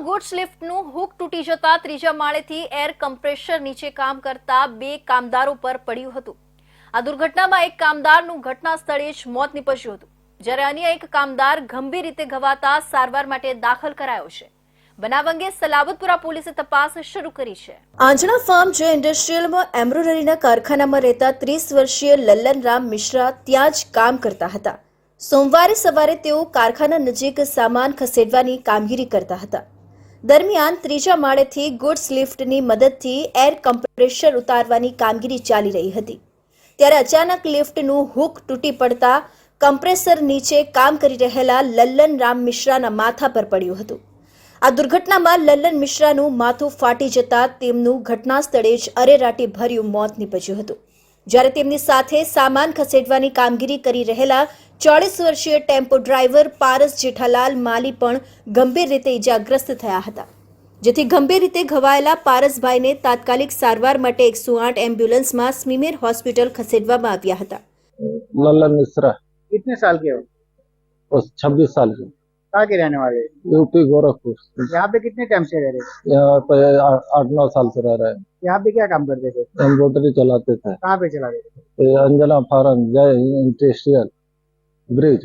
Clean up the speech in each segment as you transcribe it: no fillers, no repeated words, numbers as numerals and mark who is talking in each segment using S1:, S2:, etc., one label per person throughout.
S1: Goods લિફ્ટનું hook તૂટી જતા ત્રીજા માળેથી એર કમ્પ્રેસર નીચે કામ કરતા બે કામદારો પર પડ્યું હતું। આ દુર્ઘટનામાં એક કામદારનું ઘટના સ્થળે જ મોત નીપજ્યું હતું, જ્યારે અન્ય એક કામદાર ગંભીર રીતે ઘવાતા સારવાર માટે દાખલ કરાયો છે। બનાવ અંગે સલાબતપુરા પોલીસે તપાસ શરૂ કરી છે। આંજણા ફાર્મ જે ઇન્ડસ્ટ્રીયલમાં એમ્બ્રોઇડરીના કારખાનામાં રહેતા 30 વર્ષીય લલ્લનરામ મિશ્રા ત્યાં જ કામ કરતા હતા। સોમવારે સવારે તેઓ કારખાના નજીક સામાન ખસેડવાની કામગીરી કરતા હતા। દરમિયાન ત્રીજા માળેથી ગુડ્સ લિફ્ટની મદદથી એર કમ્પ્રેસર ઉતારવાની કામગીરી ચાલી રહી હતી, ત્યારે અચાનક લિફ્ટનું હુક તૂટી પડતા કમ્પ્રેસર નીચે કામ કરી રહેલા લલ્લનરામ મિશ્રાના માથા પર પડ્યું હતું। આ દુર્ઘટનામાં લલ્લન મિશ્રાનું માથું ફાટી જતા તેમનું ઘટના સ્થળે જ અરેરાટી ભર્યું મોત નીપજ્યું હતું, જ્યારે તેમની સાથે સામાન ખસેડવાની કામગીરી કરી રહેલા 40 વર્ષીય ટેમ્પો ડ્રાઈવર પારસ જેઠાલાલ માલી પણ ગંભીર રીતે ઇજાગ્રસ્ત થયા હતા, જેથી ગંભીર રીતે ઘવાયેલા પારસભાઈને તાત્કાલિક સારવાર માટે 108 એમ્બ્યુલન્સમાં સ્મીમેર હોસ્પિટલ खसेड़વામાં આવ્યા હતા।
S2: लल्लन मिश्रा
S3: कितने साल के हो?
S2: और 26 साल के,
S3: कहाँ के रहने वाले हो?
S2: यूपी गोरखपुर।
S3: यहाँ पे कितने टाइम से रह रहे थे?
S2: यहाँ पे 8-9 साल से रह रहे हैं।
S3: यहाँ पे क्या काम करते थे?
S2: एम्ब्रॉयडरी चलाते थे।
S3: कहाँ पे चला रहे थे?
S2: ये Anjana farm Jai industrial bridge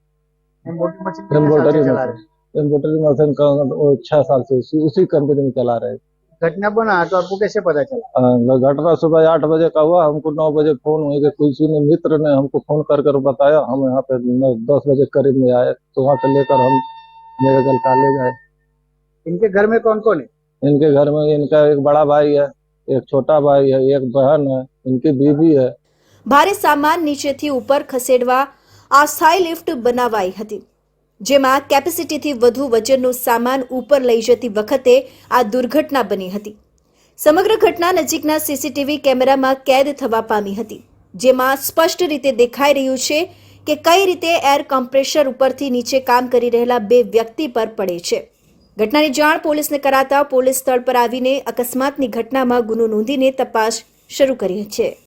S3: embroidery
S2: embroidery
S3: चला रहे थे।
S2: एम्ब्रॉयडरी मशीन का 6 साल से उसी कंपनी में चला रहे हैं।
S3: घटना बना तो आपको कैसे पता चला?
S2: घटना सुबह 8 बजे का हुआ, हमको 9 बजे फोन हुई कि किसी ने मित्र ने हमको फोन कर बताया। हम यहाँ पे 10 बजे करीब में आए, तो वहाँ से लेकर हम मेडिकल कॉलेज आए।
S3: इनके घर में कौन कौन है?
S2: इनके घर में इनका एक बड़ा भाई है, एक छोटा भाई है, एक बहन है, इनकी बीवी है।
S1: ભારે સામાન નીચેથી ઉપર ખસેડવા અસ્થાયી લિફ્ટ બનાવાઈ હતી, જેમાં કેપેસિટીથી વધુ વજનનો સામાન ઉપર લઈ જતી વખતે આ દુર્ઘટના બની હતી। સમગ્ર ઘટના નજીકના સીસીટીવી કેમેરામાં કેદ થવા પામી હતી, જેમાં સ્પષ્ટ રીતે દેખાઈ રહ્યું છે કે કઈ રીતે એર કમ્પ્રેસર ઉપરથી નીચે કામ કરી રહેલા બે વ્યક્તિ પર પડે છે। ઘટનાની જાણ પોલીસને કરાતા પોલીસ સ્થળ પર આવીને અકસ્માતની ઘટનામાં ગુનો નોંધીને તપાસ શરૂ કરી છે।